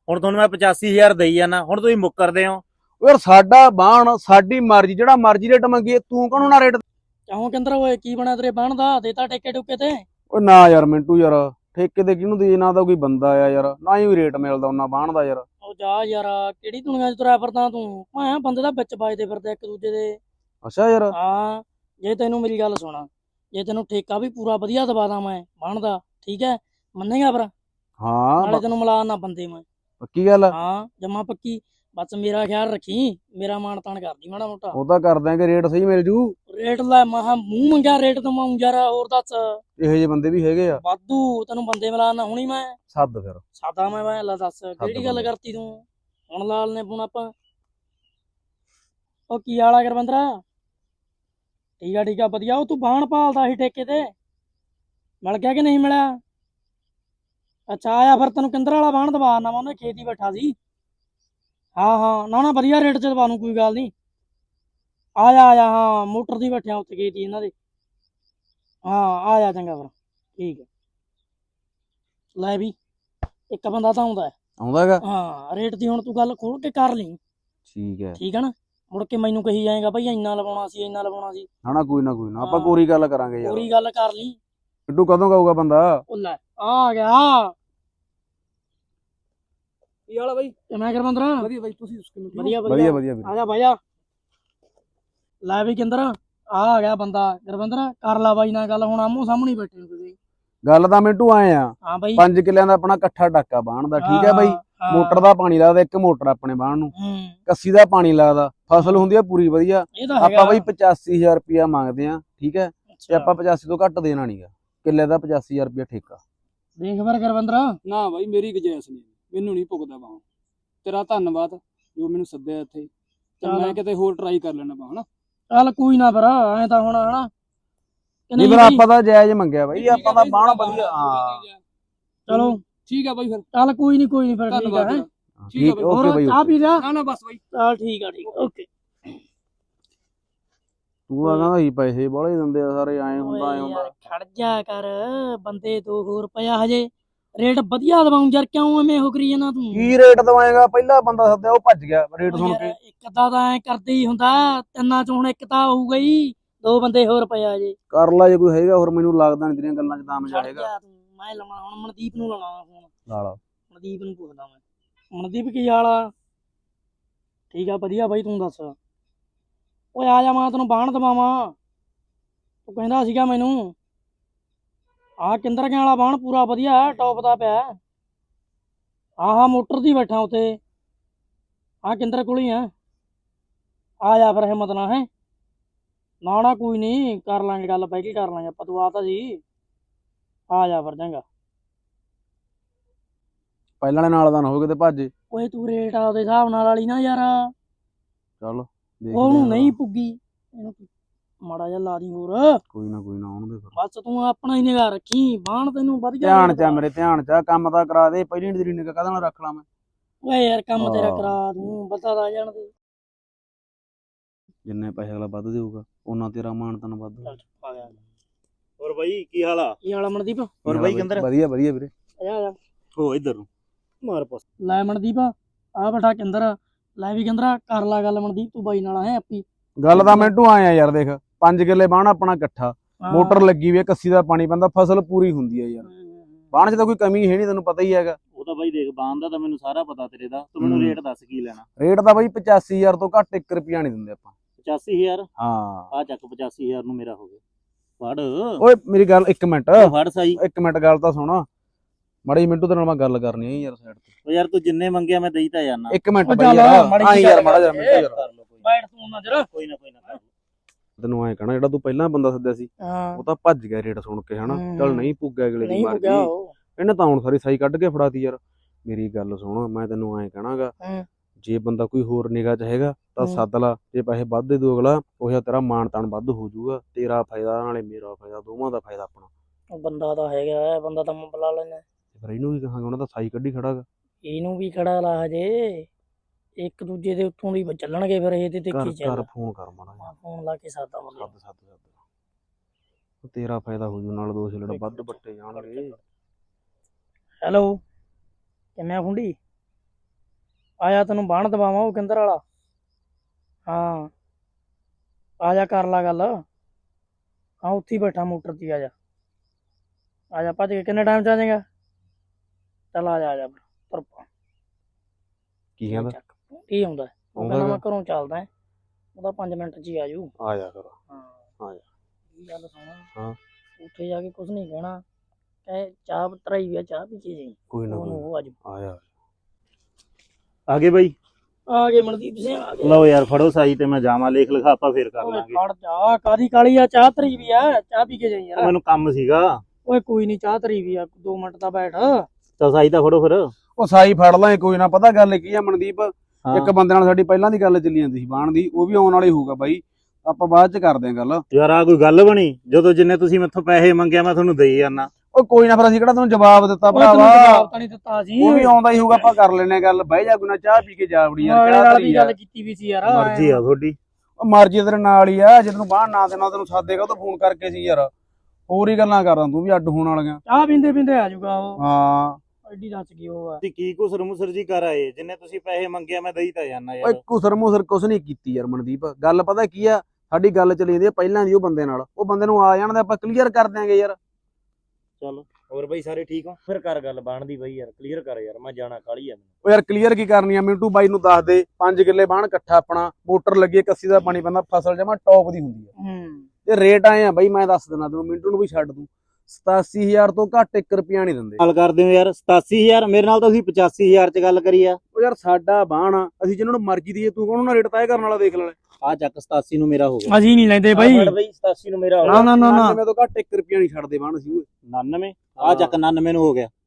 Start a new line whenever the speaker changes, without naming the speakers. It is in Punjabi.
ਹੁਣ ਤੁਹਾਨੂੰ ਮੈਂ 85,000 ਦੇਈ ਜਾਣਾ, ਹੁਣ ਤੁਸੀਂ ਮੁੱਕਰਦੇ ਹੋ।
ਯਾਰ ਸਾਡਾ ਬਾਣ ਸਾਡੀ ਮਰਜ਼ੀ, ਜਿਹੜਾ ਮਰਜ਼ੀ ਰੇਟ ਮੰਗੀਏ, ਤੂੰ ਕਾਹਨੂੰ ਨਾ ਰੇਟ।
ਕਿਉਂ ਕਹਿੰਦਾ ਓਏ ਕੀ ਬਣਾ ਤੇਰੇ ਬਾਣ ਦਾ? ਦੇਤਾ ਟੇਕੇ ਟੁਕੇ ਤੇ?
ਓ ਨਾ ਯਾਰ ਮਿੰਟੂ ਯਾਰ, ਠੇਕੇ ਤੇ ਕਿਹਨੂੰ ਦੇ, ਨਾ ਤਾਂ ਕੋਈ ਬੰਦਾ ਆ ਯਾਰ, ਨਾ ਹੀ ਰੇਟ ਮਿਲਦਾ ਉਹਨਾਂ ਬਾਣ ਦਾ ਯਾਰ।
ਉਹ ਜਾ ਯਾਰ, ਕਿਹੜੀ ਦੁਨੀਆ 'ਚ ਤੁਰਿਆ ਫਿਰਦਾ ਤੂੰ? ਮੈਂ ਬੰਦੇ ਦਾ ਵਿੱਚ ਵੱਜਦੇ ਫਿਰਦੇ ਇੱਕ ਦੂਜੇ ਦੇ।
ਅੱਛਾ ਯਾਰ।
ਹਾਂ, ਜੇ ਤੈਨੂੰ ਮੇਰੀ ਗੱਲ ਸੁਣਾ, ਜੇ ਤੈਨੂੰ ਠੇਕਾ ਵੀ ਪੂਰਾ ਵਧੀਆ ਦਵਾ ਦਾਂ ਮੈਂ ਬਾਣ ਦਾ, ਠੀਕ ਹੈ, ਮੰਨੇਗਾ ਫਿਰ?
ਹਾਂ
ਨਾਲੇ ਤੈਨੂੰ ਮਿਲਾ ਨਾ ਬੰਦੇ ਮੈਂ।
ਪੱਕੀ ਗੱਲ।
ਹਾਂ ਜਮਾ ਪੱਕੀ। ਬਸ ਮੇਰਾ ਖਿਆਲ ਰੱਖੀ, ਮੇਰਾ ਮਾਣ ਤਾਣ ਕਰਦੀ ਮਾੜਾ ਮੋਟਾ।
ਉਹ ਤਾਂ ਕਰ ਦਾਂਗੇ, ਰੇਟ ਸਹੀ ਮਿਲ ਜੂ।
ਰੇਟ ਲੈ ਮਹਾ ਮੂੰਹ ਮੰਗਿਆ ਰੇਟ ਦਵਾਉਂ ਯਾਰ, ਹੋਰ ਦੱਸ।
ਇਹੋ ਜਿਹੇ ਬੰਦੇ ਵੀ ਹੈਗੇ ਆ।
ਵਾਧੂ, ਤੈਨੂੰ ਬੰਦੇ ਮਿਲਾਣਾ ਹੁਣੀ ਮੈਂ।
ਸੱਦ ਫਿਰ।
ਸਾਦਾ ਮੈਂ ਲੈ ਦੱਸ ਕਿਹੜੀ ਗੱਲ
ਬੰਦੇ।
ਕਰਤੀ ਤੂੰ? ਹੁਣ ਲਾਲ ਨੇ ਫੋਨ ਆਪਾਂ। ਉਹ ਕੀ ਹਾਲ ਆ ਗੁਰਵਿੰਦਰਾ? ਠੀਕ ਆ ਵਧੀਆ। ਉਹ ਤੂੰ ਬਾਣ ਭਾਲਦਾ ਸੀ ਠੇਕੇ ਤੇ, ਮਿਲ ਗਿਆ ਕਿ ਨਹੀਂ ਮਿਲਿਆ? ਅੱਛਾ ਆਇਆ ਫਿਰ, ਤੈਨੂੰ ਕਿੰਦਰ ਵਾਲਾ ਬਾਣ ਦਵਾ ਨਾ, ਮੈਂ ਉਹਨੇ ਖੇਤ ਹੀ ਬੈਠਾ ਸੀ। ਹਾਂ ਨਾ ਵਧੀਆ ਰੇਟ 'ਚ ਦਵਾ ਨੂੰ, ਕੋਈ ਗੱਲ ਨਹੀਂ। ਆਇਆ ਹਾਂ, ਮੋਟਰ ਦੀ ਬੈਠਿਆ ਉੱਥੇ ਖੇਤ ਹੀ ਇਹਨਾਂ ਦੇ। ਹਾਂ ਆਇਆ ਚੰਗਾ ਫਿਰ, ਠੀਕ ਹੈ। ਲੈ ਵੀ ਇੱਕ ਬੰਦਾ ਤਾਂ ਆਉਂਦਾ
ਆਉਂਦਾ ਹੈਗਾ।
ਹਾਂ, ਰੇਟ ਦੀ ਹੁਣ ਤੂੰ ਗੱਲ ਖੋਲ ਕੇ ਕਰ ਲਈ,
ਠੀਕ ਹੈ।
ਠੀਕ ਹੈ ਨਾ? ਮੁੜ ਕੇ ਮੈਨੂੰ ਕਹੀ ਜਾਏਗਾ ਬਈ ਇੰਨਾ ਲਵਾਉਣਾ ਸੀ, ਇੰਨਾ ਲਵਾਉਣਾ ਸੀ।
ਹਣਾ ਕੋਈ ਨਾ ਆਪਾਂ ਪੂਰੀ ਗੱਲ ਕਰਾਂਗੇ ਯਾਰ।
ਪੂਰੀ ਗੱਲ ਕਰ ਲਈ।
ਮਿੰਟੂ ਕਦੋਂ ਕਹੂਗਾ ਬੰਦਾ?
ਉਹ ਲੈ ਆ ਗਿਆ।
ਕੀ ਹਾਲ ਆ ਬਾਈ?
ਮੈਂ ਗੁਰਵਿੰਦਰ।
ਵਧੀਆ ਬਾਈ, ਤੁਸੀਂ
ਵਧੀਆ
ਵਧੀਆ ਵਧੀਆ ਵੀਰੇ।
ਆ ਜਾ ਬਾਜਾ। ਲੈ ਵੀ ਕਿੰਦਰ, ਆ ਗਿਆ ਬੰਦਾ। ਗੁਰਵਿੰਦਰ ਕਰ ਲਾ ਬਾਈ ਨਾਲ ਗੱਲ, ਹੁਣ ਆਮੋ ਸਾਹਮਣੇ ਬੈਠੇ ਹੋ ਤੁਸੀਂ।
ਗੱਲ ਤਾਂ ਮਿੰਟੂ ਆਏ ਆ,
ਹਾਂ ਬਾਈ।
5 ਕਿੱਲਿਆਂ ਦਾ ਆਪਣਾ ਇਕੱਠਾ ਟਾਕਾ ਬਾਣ ਦਾ, ਠੀਕ ਹੈ ਬਾਈ। ਮੋਟਰ ਦਾ ਪਾਣੀ ਲੱਗਦਾ, ਇੱਕ ਮੋਟਰ ਆਪਣੇ ਬਾਣ ਨੂੰ, ਕੱਸੀ ਦਾ ਪਾਣੀ ਲੱਗਦਾ, ਫਸਲ ਹੁੰਦੀ ਆ ਪੂਰੀ ਵਧੀਆ। ਆਪਾਂ ਬਾਈ 85,000 ਰੁਪਇਆ ਮੰਗਦੇ ਆ, ਠੀਕ ਹੈ, ਤੇ ਆਪਾਂ 85 ਤੋਂ ਘੱਟ ਦੇਣਾ ਨਹੀਂਗਾ। ਕਿੱਲੇ ਦਾ 85,000 ਰੁਪਇਆ ਠੇਕਾ।
ਦੇਖ ਫਿਰ ਗੁਰਵਿੰਦਰ।
ਨਾ ਬਾਈ ਮੇਰੀ ਗੁੰਜਾਇਸ਼ ਨਹੀਂ, ਮੈਨੂੰ ਨਹੀਂ ਭੁਗਦਾ ਬਾਹ। ਤੇਰਾ ਧੰਨਵਾਦ ਜੋ ਮੈਨੂੰ ਸੱਦਿਆ ਇੱਥੇ, ਤੇ ਮੈਂ ਕਿਤੇ ਹੋਰ ਟਰਾਈ ਕਰ ਲੈਣਾ ਬਾਹ ਹਨਾ।
ਚੱਲ ਕੋਈ ਨਾ ਫਿਰ, ਐ ਤਾਂ ਹੁਣ ਹਨਾ
ਨਹੀਂ ਫਿਰ ਆਪਾਂ ਤਾਂ ਜਾਇਜ਼ ਮੰਗਿਆ ਬਾਈ, ਆਪਾਂ ਤਾਂ ਬਾਣ ਵਧੀਆ। ਹਾਂ
ਚਲੋ
ਠੀਕ ਆ ਬਾਈ ਫਿਰ।
ਚੱਲ ਕੋਈ ਨਹੀਂ ਫਿਰ, ਠੀਕ
ਧੰਨਵਾਦ
ਹੈ।
ਠੀਕ ਆ ਬਾਈ।
ਓਕੇ ਬਾਈ।
ਚਾਹ ਪੀ ਜਾ।
ਨਾ ਬਸ ਬਾਈ।
ਚੱਲ ਠੀਕ ਆ ਓਕੇ।
ਤੂੰ ਆ ਕਹਿੰਦਾ ਸੀ ਪੈਸੇ ਬਾਹਲੇ ਦਿੰਦੇ ਆ ਸਾਰੇ, ਐ ਹੁੰਦਾ ਐ ਹੁੰਦਾ।
ਖੜ ਜਾ ਕਰ, ਬੰਦੇ 2 ਰੁਪਇਆ ਹਜੇ ਰੇਟ ਵਧੀਆ ਦਵਾਉਂ ਯਾਰ, ਕਿਉਂ ਐਵੇਂ ਹੋ ਕਰੀ ਜਾਣਾ ਤੂੰ?
ਕੀ ਰੇਟ ਦਵਾਏਗਾ? ਪਹਿਲਾ ਬੰਦਾ ਸੱਦਿਆ ਉਹ ਭੱਜ ਗਿਆ ਰੇਟ ਸੁਣ ਕੇ।
ਇੱਕ ਅੱਧਾ ਤਾਂ ਐ ਕਰਦੇ ਹੀ ਹੁੰਦਾ, ਤਿੰਨਾਂ ਚੋਂ ਹੁਣ ਇੱਕ ਤਾਂ ਹੋਊਗਾ ਹੀ। 2 ਬੰਦੇ ਹੋਰ ਪਿਆ ਜੇ।
ਕਰ ਲਾ ਜੇ ਕੋਈ ਹੈਗਾ ਹੋਰ, ਮੈਨੂੰ ਲੱਗਦਾ ਨਹੀਂ ਤੇਰੀਆਂ ਗੱਲਾਂ 'ਚ ਦਮ ਜਾ ਹੈਗਾ।
ਮੈਂ ਲਾਉਣਾ ਹੁਣ ਮਨਦੀਪ ਨੂੰ, ਲਾਉਣਾ ਫੋਨ।
ਲਾ
ਮਨਦੀਪ ਨੂੰ ਪੁੱਛਦਾ ਮੈਂ। ਮਨਦੀਪ ਕੀ ਹਾਲ ਆ? ਠੀਕ ਆ ਵਧੀਆ ਬਾਈ, ਤੂੰ ਦੱਸ? ਓਏ ਆ ਜਾ, ਮੈਂ ਤੈਨੂੰ ਬਾਣ ਦਵਾਵਾਂ। ਤੂੰ ਕਹਿੰਦਾ ਸੀਗਾ ਮੈਨੂੰ ਆਹ ਕਿੰਦਰ ਕੇ ਵਾਲਾ ਬਾਣ ਪੂਰਾ ਵਧੀਆ ਟੌਪ ਦਾ ਪਿਆ। ਆਹ ਮੋਟਰ ਦੀ ਬੈਠਾ ਉੱਤੇ, ਆਹ ਕਿੰਦਰ ਕੋਲ ਹੀ ਆ ਜਾ ਫਿਰ, ਹਿੰਮਤ ਨਾ ਹੈ। ਨਾ ਕੋਈ ਨਹੀਂ, ਕਰ ਲਾਂਗੇ ਗੱਲ, ਬਹਿ ਕੇ ਕਰ ਲਾਂਗੇ ਆਪਾਂ। ਤੂੰ ਆ ਤਾਂ ਜੀ, ਆ ਜਾ ਫਿਰ ਚੰਗਾ।
ਪਹਿਲਾਂ ਵਾਲੇ ਨਾਲ ਤਾਂ ਨਾ ਹੋ ਕਿਤੇ ਭੱਜ।
ਓਏ ਤੂੰ ਰੇਟ ਆਪਦੇ ਹਿਸਾਬ ਨਾਲ ਵਾਲੀ ਨਾ ਯਾਰ,
ਚੱਲ
ਉਹਨੂੰ ਨਹੀਂ ਪੁੱਗੀ, ਇਹਨੂੰ ਮਾੜਾ ਜਿਹਾ ਲਾ ਦੀ ਹੋਰ।
ਕੋਈ ਨਾ ਆਉਣ ਦੇ ਫਿਰ।
ਬਸ ਤੂੰ ਆਪਣਾ ਹੀ ਨਿਗਾਹ ਰੱਖੀ, ਬਾਣ ਤੈਨੂੰ ਵਧੀਆ
ਧਿਆਨ ਚ ਮੇਰੇ, ਧਿਆਨ ਚ ਕੰਮ ਤਾਂ ਕਰਾ ਦੇ। ਪਹਿਲੀ ਨੀ ਤੇਰੀ ਨਿਗਾਹ ਕਾਹਦੇ ਨਾਲ ਰੱਖ ਲਾ ਮੈਂ?
ਓਏ ਯਾਰ ਕੰਮ ਤੇਰਾ ਕਰਾ ਦੂੰ, ਪਤਾ ਤਾਂ ਜਾਣ ਦੇ।
ਜਿੰਨੇ ਪੈਸੇ ਅਗਲਾ ਵੱਧ ਦੇਊਗਾ ਉਹਨਾਂ ਤੇਰਾ ਮਾਣ ਤਾਨ ਵੱਧ।
ਆ ਗਿਆ।
ਹੋਰ ਬਾਈ ਕੀ ਹਾਲ ਆ?
ਕੀ ਹਾਲ ਆ ਮਨਦੀਪ?
ਹੋਰ ਬਾਈ ਕਿੰਦਰ?
ਵਧੀਆ ਵੀਰੇ।
ਆ ਜਾ
ਹੋ ਇੱਧਰ ਨੂੰ ਮਾਰ ਪਾਸ।
ਲੈ ਮਨਦੀਪ, ਆ ਬੈਠਾ ਕਿੰਦਰ। ਲੈ ਵੀ ਕਿੰਦਰਾ ਕਰ ਲਾ ਗੱਲ ਮਨਦੀਪ, ਤੂੰ ਬਾਈ ਨਾਲ ਹੈ ਆਪੀ।
ਗੱਲ ਤਾਂ ਮਿੰਟੂ ਆਏ ਆ ਯਾਰ, ਦੇਖ 5 ਕਿੱਲੇ ਬਾਣ ਆਪਣਾ ਇਕੱਠਾ, ਮੋਟਰ ਲੱਗੀ ਵੀ, ਕੱਸੀ ਦਾ ਪਾਣੀ ਪੈਂਦਾ, ਫਸਲ ਪੂਰੀ ਹੁੰਦੀ ਹੈ ਯਾਰ। ਬਾਣ ਚ ਤਾਂ ਕੋਈ ਕਮੀ ਹੈ ਨਹੀਂ, ਤੈਨੂੰ ਪਤਾ ਹੀ ਹੈਗਾ।
ਉਹ ਤਾਂ ਬਾਈ ਦੇਖ, ਬਾਣ ਦਾ ਤਾਂ ਮੈਨੂੰ ਸਾਰਾ ਪਤਾ ਤੇਰੇ ਦਾ। ਤੂੰ ਮੈਨੂੰ ਰੇਟ ਦੱਸ ਕੀ ਲੈਣਾ?
ਰੇਟ ਤਾਂ ਬਾਈ 85,000 ਤੋਂ ਘੱਟ 1 ਰੁਪਿਆ ਨਹੀਂ ਦਿੰਦੇ ਆਪਾਂ।
85,000?
ਹਾਂ
ਆ ਚੱਕ, 85,000 ਨੂੰ ਮੇਰਾ ਹੋ ਗਿਆ। ਫੜ
ਓਏ ਮੇਰੀ ਗੱਲ 1 ਮਿੰਟ,
ਫੜ ਸਾਈ।
1 ਮਿੰਟ ਗੱਲ ਤਾਂ ਸੁਣ ਮਾੜੀ। ਮਿੰਟੂ ਤੇਰੇ ਨਾਲ ਮੈਂ ਗੱਲ ਕਰਨੀ ਹੈ ਯਾਰ, ਸਾਈਡ ਤੇ।
ਉਹ ਯਾਰ ਤੂੰ ਜਿੰਨੇ ਮੰਗਿਆ ਮੈਂ ਦੇਈ ਤਾਂ ਜਾਣਾ।
1 ਮਿੰਟ
ਉਹ
ਬਾਈ
ਚੱਲ,
ਯਾਰ,
ਮਾੜੀ
ਆਈ
ਜਿਹੀ
ਯਾਰ
ਗੱਲ
ਮਾੜਾ ਜਿਹਾ
ਕਰ
ਮਿੰਟੂ ਯਾਰ।
ਲਓ
ਬੈਠ ਤੂੰ ਨਾ ਜਰਾ।
ਕੋਈ ਨਾ ਕਰ।
ਤੈਨੂੰ ਐਂ ਕਹਣਾ, ਜਿਹੜਾ ਤੂੰ ਪਹਿਲਾਂ ਬੰਦਾ ਸੱਦਿਆ ਸੀ ਉਹ ਤਾਂ ਭੱਜ ਗਿਆ ਰੇਟ ਸੁਣ ਕੇ, ਹਨਾ। ਚੱਲ ਨਹੀਂ ਪੁੱਗਿਆ, ਅਗਲੇ ਦੀ ਮਰਜ਼ੀ। ਇਹਨੇ ਤਾਂ ਹੁਣ ਸਾਰੀ ਸਾਈ ਕੱਢ ਕੇ ਫੜਾਤੀ ਯਾਰ। ਮੇਰੀ ਗੱਲ ਸੁਣ, ਮੈਂ ਤੈਨੂੰ ਐਂ ਕਹਣਾਗਾ, ਜੇ ਬੰਦਾ ਕੋਈ ਹੋਰ ਨਿਗਾਹ ਚ ਹੈਗਾ ਤਾਂ ਸੱਦ ਲਾ। ਜੇ ਪੈਸੇ ਵੱਧ ਦੇ ਦੂ ਅਗਲਾ, ਉਹ ਤੇਰਾ ਮਾਣ ਤਾਣ ਵੱਧ ਹੋ ਜਾਊਗਾ। ਤੇਰਾ ਫਾਇਦਾ ਨਾਲੇ ਮੇਰਾ ਫਾਇਦਾ, ਦੋਵਾਂ ਦਾ ਫਾਇਦਾ ਆਪਣਾ।
ਬੰਦਾ ਤਾਂ ਹੈਗਾ, ਬੰਦਾ ਤਾਂ ਮੈਂ ਬੁਲਾ ਲੈਣਾ।
ਫਿਰ ਇਹਨੂੰ ਵੀ ਕਹਾਂਗੇ, ਉਹਨਾਂ ਦਾ ਸਾਈ ਕੱਢੀ ਖੜਾਗਾ।
ਇਹਨੂੰ ਵੀ ਖੜਾ ਲਾ ਹਜੇ, ਇੱਕ ਦੂਜੇ ਦੇ ਉੱਤੋਂ ਦੀ ਚੱਲਣਗੇ ਫਿਰ ਇਹ ਤੇ ਦੇਖੀ ਚੱਲ।
ਕਰ ਫੋਨ ਕਰ ਮਾੜਾ,
ਫੋਨ ਲਾ ਕੇ ਸਾਦਾ ਬੰਦਾ।
ਸੱਦ ਤੇਰਾ ਫਾਇਦਾ ਹੋ ਜੂ, ਨਾਲ 2 ਛਿਲੜ ਵੱਧ ਬੱਟੇ ਜਾਣਗੇ।
ਹੈਲੋ, ਕਿਵੇਂ ਆ ਫੁੰਡੀ? ਆਇਆ ਤੈਨੂੰ ਬਾਣ ਦਵਾਵਾਂ ਉਹ ਕਿੰਦਰ ਵਾਲਾ। ਹਾਂ ਆ ਜਾ ਕਰ ਲਾ ਗੱਲ। ਹਾਂ ਉੱਥੇ ਹੀ ਬੈਠਾ ਮੋਟਰ ਤੇ, ਆ ਜਾ ਭੱਜ ਕੇ। ਕਿੰਨੇ ਟਾਈਮ ਚ ਆ ਜਾਏਗਾ? ਚੱਲ ਆ ਜਾ ਤੁਰ ਪਾ।
ਕੀ ਕਹਿੰਦਾ?
ਕੀ ਹੁੰਦਾ? ਉਹ ਕਹਿੰਦਾ ਮੈਂ ਘਰੋਂ ਚੱਲਦਾ, ਉਹਦਾ 5 ਮਿੰਟ ਚ ਹੀ ਆ ਜੂ।
ਆ ਜਾ ਫਿਰ।
ਹਾਂ
ਆ ਜਾ।
ਇਹ ਗੱਲ ਸੁਣ,
ਹਾਂ
ਉੱਥੇ ਜਾ ਕੇ ਕੁਝ ਨਹੀਂ ਕਹਿਣਾ, ਕਹੇ ਚਾਹ ਤਰਾਈ ਵੀ ਆ, ਚਾਹ ਪੀ ਕੇ ਜਾਈ।
ਕੋਈ ਨਾ
ਉਹ ਅੱਜ
ਆ ਜਾ।
ਆ ਗਏ ਬਾਈ?
ਆ ਗਏ ਮਨਦੀਪ ਸਿੰਘ ਆ ਗਏ।
ਲਓ ਯਾਰ ਫੜੋ ਸਾਈ ਤੇ ਮੈਂ ਜਾਵਾਂ, ਲੇਖ ਲਿਖਾਪਾ ਫੇਰ ਕਰ
ਓਏ
ਲਾਂਗੇ।
ਖੜ ਜਾ, ਕਾਦੀ ਕਾਲੀ ਆ? ਚਾਹ ਤਰੀ ਵੀ ਆ, ਚਾਹ ਪੀ ਕੇ ਜਾਈ ਯਾਰ।
ਮੈਨੂੰ ਕੰਮ ਸੀਗਾ।
ਓਏ ਕੋਈ ਨਹੀਂ, ਚਾਹ ਤਰੀ ਵੀ ਆ, 2 ਮਿੰਟ ਤਾਂ ਬੈਠ।
ਤਾਂ ਸਾਈ ਤਾਂ ਫੜੋ ਫਿਰ।
ਉਹ ਸਾਈ ਫੜ ਲਾਂ ਕੋਈ ਨਾ। ਪਤਾ ਗੱਲ ਕੀ ਆ ਮਨਦੀਪ,
ਹਾਂ।
ਇੱਕ ਬੰਦੇ ਨਾਲ ਸਾਡੀ ਪਹਿਲਾਂ ਦੀ ਗੱਲ ਚੱਲੀ ਜਾਂਦੀ ਸੀ ਬਾਣ ਦੀ, ਉਹ ਵੀ ਆਉਣ ਵਾਲੀ ਹੋਊਗਾ ਬਾਈ, ਆਪਾਂ ਬਾਅਦ ਚ ਕਰਦੇ ਆਂ ਗੱਲ।
ਯਾਰ ਆ ਕੋਈ ਗੱਲ ਬਣੀ? ਜਦੋਂ ਜਿੰਨੇ ਤੁਸੀਂ ਮੈਥੋਂ ਪੈਸੇ ਮੰਗਿਆ ਮੈਂ ਤੁਹਾਨੂੰ ਦੇਈ ਜਾਣਾ।
ਉਹ ਕੋਈ ਨਾ, ਫਿਰ ਅਸੀਂ ਕਿਹੜਾ ਤੈਨੂੰ ਜਵਾਬ ਦਿੱਤਾ
ਓਏ ਤੈਨੂੰ
ਭਰਾਵਾ,
ਜਵਾਬ ਤਾਂ ਨਹੀਂ ਦਿੱਤਾ ਸੀ।
ਉਹ ਵੀ ਆਉਂਦਾ ਹੀ ਹੋਊਗਾ, ਆਪਾਂ ਕਰ ਲੈਨੇ ਗੱਲ। ਬਹਿ ਜਾ ਕੋਈ ਨਾ, ਚਾਹ ਪੀ ਕੇ ਜਾ ਵੜੀ ਯਾਰ।
ਨਾਲੇ
ਕਿਹੜਾ
ਨਾਲ
ਧਰੀ
ਵੀ
ਯਾਰ,
ਗੱਲ ਕੀਤੀ ਵੀ ਸੀ ਯਾਰ।
ਮਰਜ਼ੀ ਆ ਤੁਹਾਡੀ।
ਉਹ ਮਰਜ਼ੀ ਤੇਰੇ ਨਾਲ ਹੀ ਆ। ਜੇ ਤੈਨੂੰ ਬਾਹਰ ਨਾ ਦੇਣਾ ਤੈਨੂੰ ਸਾਦੇਗਾ, ਉਹ ਤਾਂ ਫੋਨ ਕਰਕੇ ਸੀ ਯਾਰ। ਹੋਰ ਹੀ ਗੱਲਾਂ ਕਰਦਾ ਤੂੰ ਵੀ ਅੱਡ ਹੋਣ ਵਾਲੀਆਂ।
ਚਾਹ ਪੀਂਦੇ ਪੀਂਦੇ ਆ ਜਾਊਗਾ ਉਹ।
ਹਾਂ
ਐਡੀ ਦੱਸ ਗਈ ਉਹ ਆ।
ਤੁਸੀਂ ਕੀ ਕੁਸਰ ਮੁਸਰ ਜੀ ਕਰ ਆਏ? ਜਿੰਨੇ ਤੁਸੀਂ ਪੈਸੇ ਮੰਗਿਆ ਮੈਂ ਦੇਈ ਤਾਂ ਜਾਣਾ
ਓਏ
ਯਾਰ।
ਕੁਸਰ ਮੁਸਰ ਕੁਛ ਨਹੀਂ ਕੀਤੀ ਯਾਰ ਮਨਦੀਪ। ਗੱਲ ਪਤਾ ਕੀ ਆ, ਸਾਡੀ ਗੱਲ ਚੱਲੀ ਜਾਂਦੀ ਆ ਪਹਿਲਾਂ ਦੀ ਉਹ ਬੰਦੇ ਨਾਲ। ਉਹ ਬੰਦੇ ਨੂੰ ਆ ਜਾਣ ਦੇ, ਆਪਾਂ ਕਲੀਅਰ ਕਰ ਦਿਆਂਗੇ ਯਾਰ।
ਚੱਲ ਹੋਰ ਬਾਈ ਸਾਰੇ ਠੀਕ ਹੋ? ਫਿਰ ਕਰ ਗੱਲ ਬਣਦੀ ਬਾਈ ਯਾਰ, ਕਲੀਅਰ ਕਰ ਯਾਰ, ਮੈਂ ਜਾਣਾ ਕਾਲੀ ਆ।
ਉਹ ਯਾਰ ਕਲੀਅਰ ਕੀ ਕਰਨੀ ਆ? ਮਿੰਟੂ ਬਾਈ ਨੂੰ ਦੱਸ ਦੇ, 5 ਕਿੱਲੇ ਬਾਣ ਇਕੱਠਾ ਆਪਣਾ, ਮੋਟਰ ਲੱਗੀ, ਕੱਸੀ ਦਾ ਪਾਣੀ ਪੈਂਦਾ, ਫਸਲ ਜਮਾ ਟੌਪ ਦੀ ਹੁੰਦੀ ਆ। ਤੇ ਰੇਟ ਆਏ ਆ ਬਾਈ, ਮੈਂ ਦੱਸ ਦਿੰਦਾ ਤੈਨੂੰ, ਮਿੰਟੂ ਨੂੰ ਵੀ ਛੱਡ ਦੂੰ, 87000 ਤੋਂ ਘੱਟ 1 ਰੁਪਿਆ ਨਹੀਂ ਦਿੰਦੇ।
ਗੱਲ ਕਰਦੇ ਹੋ ਯਾਰ 87000? ਮੇਰੇ ਨਾਲ ਤਾਂ ਤੁਸੀਂ 85000 ਚ ਗੱਲ ਕਰੀ ਆ।
ਉਹ ਯਾਰ ਸਾਡਾ ਬਾਣ ਆ, ਅਸੀਂ ਜਿਹਨਾਂ ਨੂੰ ਮਰਜ਼ੀ ਦੀਏ, ਤੂੰ ਕੌਣ ਨਾ ਰੇਟ ਤੈਅ ਕਰਨ ਵਾਲਾ? ਦੇਖ ਲੈ,
ਆ ਚੱਕ 87 ਨੂੰ ਮੇਰਾ ਹੋ ਗਿਆ।
ਅਸੀਂ ਨਹੀਂ ਲੈਂਦੇ ਬਾਈ।
ਫੜ ਬਈ 87 ਨੂੰ ਮੇਰਾ ਹੋ
ਨਾ
ਗਿਆ।
ਨਾ ਨਾ ਨਾ
99 ਤੋਂ ਘੱਟ 1 ਰੁਪਿਆ ਨਹੀਂ ਛੱਡਦੇ ਬਾਣ ਅਸੀਂ ਓਏ।
99 ਆ ਚੱਕ 99 ਨੂੰ ਹੋ ਗਿਆ।